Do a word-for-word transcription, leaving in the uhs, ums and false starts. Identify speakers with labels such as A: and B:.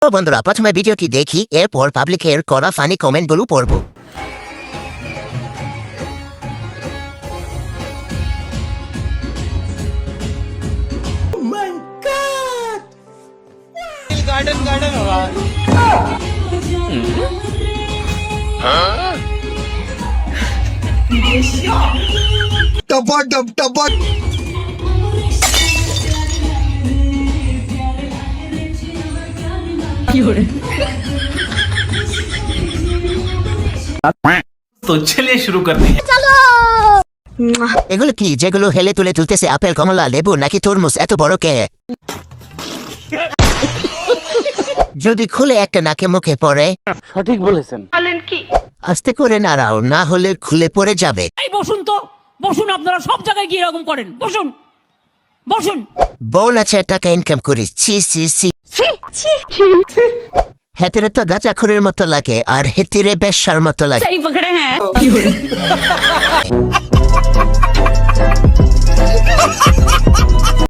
A: তো বন্ধুরা প্রথমে ভিডিওটি দেখি, এরপর পাবলিকের করা ফানি কমেন্টগুলো পড়ব।
B: गार्डन गार्डन हो रहा है।
C: टपा टप टपा
B: तो चलिए शुरू करते हैं।
A: এগুলো কি যেগুলো হেলে তুলে তুলতেছে? আপেল, কমলা, লেবু নাকি তরমুজ? এত বড় কে? যদি খুলে একটা নাকে মুখে পড়ে?
D: সঠিক বলেছেন।
A: আস্তে করে নাড়াও, না হলে খুলে পড়ে যাবে।
E: এই বসুন তো, বসুন। আপনারা সব জায়গায় গিয়ে এরকম করেন। বসুন বসুন।
A: বল আছে টাকা ইনকাম করিস, ছি ছি ছি। হেতিরে তো গাঁজাখুরের মতো লাগে, আর হেতিরে বেশ্যার মতো লাগে।
E: সহি পকড়ে হ্যাঁ।